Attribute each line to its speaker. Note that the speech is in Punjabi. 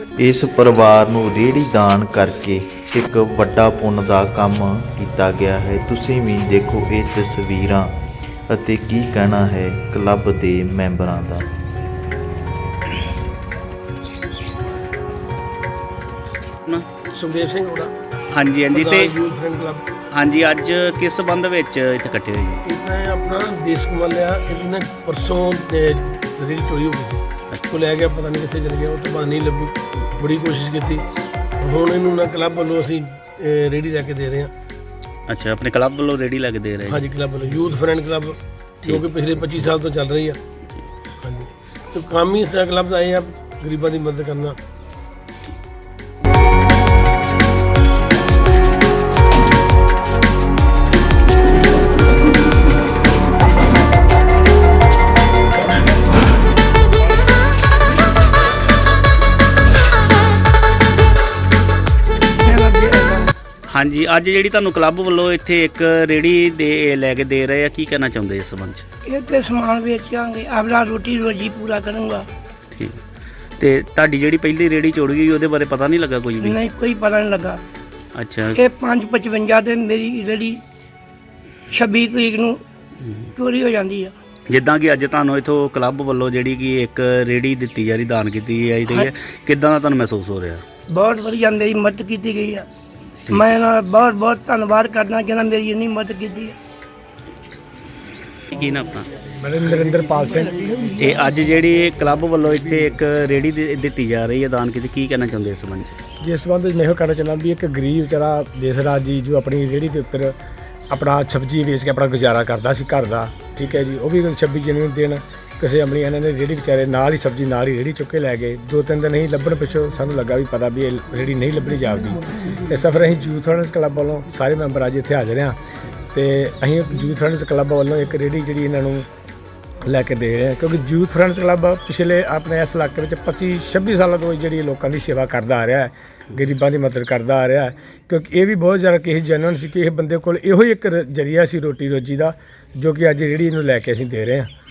Speaker 1: ਇਸ ਪਰਿਵਾਰ ਨੂੰ ਰੇਹੜੀ ਦਾਨ ਕਰਕੇ ਇੱਕ ਵੱਡਾ ਪੁੰਨ ਦਾ ਕੰਮ ਕੀਤਾ ਗਿਆ ਹੈ। ਤੁਸੀਂ ਵੀ ਦੇਖੋ ਇਹ ਤਸਵੀਰਾਂ ਅਤੇ ਕੀ ਕਹਿਣਾ ਹੈ ਕਲੱਬ ਦੇ ਮੈਂਬਰਾਂ ਦਾ।
Speaker 2: ਸੁਖਦੇਵ ਸਿੰਘ ਹੋੜਾ।
Speaker 3: ਹਾਂਜੀ ਹਾਂਜੀ। ਤੇ
Speaker 2: ਯੂਥ ਫਰੈਂਡ ਕਲੱਬ।
Speaker 3: ਹਾਂਜੀ, ਅੱਜ ਕਿਸ ਸੰਬੰਧ ਵਿੱਚ ਇੱਥੇ ਇਕੱਠੇ ਹੋਏ ਜੀ?
Speaker 2: ਮੈਂ ਆਪਣਾ ਦੇਸ਼ ਕਮਾ ਲਿਆ। ਇਹਦੀ ਨਾ ਪਰਸੋਂ ਰੇਹੜੀ ਚੋਰੀ ਹੋ ਗਈ ਸੀ। ਉਹ ਲੈ ਗਿਆ, ਪਤਾ ਨਹੀਂ ਕਿੱਥੇ ਚਲ ਗਿਆ। ਉਹ ਤੋਂ ਬਾਅਦ ਨਹੀਂ ਲੱਭੀ, ਬੜੀ ਕੋਸ਼ਿਸ਼ ਕੀਤੀ। ਹੁਣ ਇਹਨੂੰ ਨਾ ਕਲੱਬ ਵੱਲੋਂ ਅਸੀਂ ਰੇਹੜੀ ਲੈ ਕੇ ਦੇ ਰਹੇ ਹਾਂ।
Speaker 3: ਅੱਛਾ, ਆਪਣੇ ਕਲੱਬ ਵੱਲੋਂ ਰੇਹੜੀ ਲੈ ਕੇ ਦੇ ਰਹੇ?
Speaker 2: ਹਾਂਜੀ, ਕਲੱਬ ਵੱਲੋਂ ਯੂਥ ਫਰੈਂਡ ਕਲੱਬ, ਜੋ ਕਿ ਪਿਛਲੇ 25 ਸਾਲ ਤੋਂ ਚੱਲ ਰਹੀ ਆ। ਹਾਂਜੀ, ਤੇ ਕੰਮ ਹੀ ਇਸ ਕਲੱਬ ਦਾ ਇਹ ਆ, ਗਰੀਬਾਂ ਦੀ ਮਦਦ ਕਰਨਾ।
Speaker 3: ਹਾਂਜੀ, ਅੱਜ ਜਿਹੜੀ ਤੁਹਾਨੂੰ ਕਲੱਬ ਵੱਲੋਂ ਇੱਥੇ ਇੱਕ ਰੇਹੜੀ ਦੇ ਲੈ ਕੇ ਦੇ ਰਹੇ ਆ, ਕੀ ਕਹਿਣਾ ਚਾਹੁੰਦੇ ਇਸ ਸੰਬੰਧ 'ਚ?
Speaker 4: ਇਹ ਤੇ ਸਮਾਨ ਵੇਚਾਂਗੇ, ਆਪਣਾ ਰੋਟੀ ਰੋਜੀ ਪੂਰਾ ਕਰਾਂਗਾ।
Speaker 3: ਠੀਕ। ਤੇ ਤੁਹਾਡੀ ਜਿਹੜੀ ਪਹਿਲੀ ਰੇਹੜੀ ਚੋਰੀ ਗਈ ਉਹਦੇ ਬਾਰੇ ਪਤਾ ਨਹੀਂ ਲੱਗਾ ਕੁਝ ਵੀ?
Speaker 4: ਨਹੀਂ, ਕੋਈ ਪਤਾ ਨਹੀਂ ਲੱਗਾ।
Speaker 3: ਅੱਛਾ।
Speaker 4: ਇਹ 5:55 ਦੇ ਮੇਰੀ ਰੇਹੜੀ 26 ਤਰੀਕ ਨੂੰ ਚੋਰੀ ਹੋ ਜਾਂਦੀ ਆ।
Speaker 3: ਜਿੱਦਾਂ ਕਿ ਅੱਜ ਤੁਹਾਨੂੰ ਇਥੋਂ ਕਲੱਬ ਵੱਲੋਂ ਜਿਹੜੀ ਕਿ ਇੱਕ ਰੇਹੜੀ ਦਿੱਤੀ ਜਾ ਰਹੀ, ਦਾਨ ਕੀਤੀ ਜਾਈ ਰਹੀ ਹੈ, ਕਿੱਦਾਂ ਦਾ ਤੁਹਾਨੂੰ ਮਹਿਸੂਸ ਹੋ ਰਿਹਾ?
Speaker 4: ਬਹੁਤ ਵਧੀਆ, ਮੇਰੀ ਮਦਦ ਕੀਤੀ ਗਈ ਆ। ਮੈਂ ਇਹਨਾਂ ਦਾ ਬਹੁਤ ਬਹੁਤ ਧੰਨਵਾਦ ਕਰਦਾ ਜਿਹਨਾਂ ਮੇਰੀ ਇੰਨੀ ਮਦਦ ਕੀਤੀ ਹੈ।
Speaker 3: ਕੀ ਨਾ ਆਪਣਾ?
Speaker 2: ਨਰਿੰਦਰਪਾਲ ਸਿੰਘ।
Speaker 3: ਇਹ ਅੱਜ ਜਿਹੜੀ ਕਲੱਬ ਵੱਲੋਂ ਇੱਥੇ ਇੱਕ ਰੇਹੜੀ ਦਿੱਤੀ ਜਾ ਰਹੀ ਹੈ, ਦਾਨ ਕੀਤੀ, ਕੀ ਕਹਿਣਾ ਚਾਹੁੰਦੇ ਇਸ ਸੰਬੰਧ 'ਚ?
Speaker 5: ਜਿਸ ਸੰਬੰਧ ਵਿੱਚ ਮੈਂ ਇਹੋ ਕਹਿਣਾ ਚਾਹੁੰਦਾ ਵੀ ਇੱਕ ਗਰੀਬ ਵਿਚਾਰਾ ਦੇਸਰਾਜ ਜੀ ਜੋ ਆਪਣੀ ਰੇਹੜੀ ਦੇ ਉੱਪਰ ਆਪਣਾ ਸਬਜ਼ੀ ਵੇਚ ਕੇ ਆਪਣਾ ਗੁਜ਼ਾਰਾ ਕਰਦਾ ਸੀ ਘਰ ਦਾ, ਠੀਕ ਹੈ ਜੀ। ਉਹ ਵੀ 26 ਜਨਵਰੀ ਨੂੰ ਦਿਨ ਕਿਸੇ ਅਮਲੀ ਇਹਨਾਂ ਨੇ ਰੇਹੜੀ ਵਿਚਾਰੇ ਨਾਲ ਹੀ ਸਬਜ਼ੀ ਨਾਲ ਹੀ ਰੇਹੜੀ ਚੁੱਕ ਕੇ ਲੈ ਗਏ। 2-3 ਦਿਨ ਨਹੀਂ ਲੱਭਣ ਪਿੱਛੋਂ ਸਾਨੂੰ ਲੱਗਾ ਵੀ ਪਤਾ ਵੀ ਇਹ ਰੇਹੜੀ ਨਹੀਂ ਲੱਭਣੀ ਜਾਪਦੀ। ਇਸ ਸਫਰ ਅਸੀਂ ਯੂਥ ਫਰੈਂਡਸ ਕਲੱਬ ਵੱਲੋਂ ਸਾਰੇ ਮੈਂਬਰ ਅੱਜ ਇੱਥੇ ਹਾਜ਼ਰ ਹਾਂ ਅਤੇ ਅਸੀਂ ਯੂਥ ਫਰੈਂਡਸ ਕਲੱਬ ਵੱਲੋਂ ਇੱਕ ਰੇਹੜੀ ਜਿਹੜੀ ਇਹਨਾਂ ਨੂੰ ਲੈ ਕੇ ਦੇ ਰਹੇ ਹਾਂ, ਕਿਉਂਕਿ ਯੂਥ ਫਰੈਂਡਸ ਕਲੱਬ ਪਿਛਲੇ ਆਪਣੇ ਇਸ ਇਲਾਕੇ ਵਿੱਚ 25-26 ਸਾਲਾਂ ਤੋਂ ਜਿਹੜੀ ਲੋਕਾਂ ਦੀ ਸੇਵਾ ਕਰਦਾ ਆ ਰਿਹਾ ਹੈ, ਗਰੀਬਾਂ ਦੀ ਮਦਦ ਕਰਦਾ ਆ ਰਿਹਾ ਹੈ। ਕਿਉਂਕਿ ਇਹ ਵੀ ਬਹੁਤ ਜ਼ਿਆਦਾ ਕਿਸੇ ਜੈਨੂਅਨ ਸੀ ਕਿ ਇਹ ਬੰਦੇ ਕੋਲ ਇਹੋ ਹੀ ਇੱਕ ਜ਼ਰੀਆ ਸੀ ਰੋਟੀ ਰੋਜੀ ਦਾ, ਜੋ ਕਿ ਅੱਜ ਜਿਹੜੀ ਇਹਨੂੰ ਲੈ ਕੇ ਅਸੀਂ ਦੇ ਰਹੇ ਹਾਂ।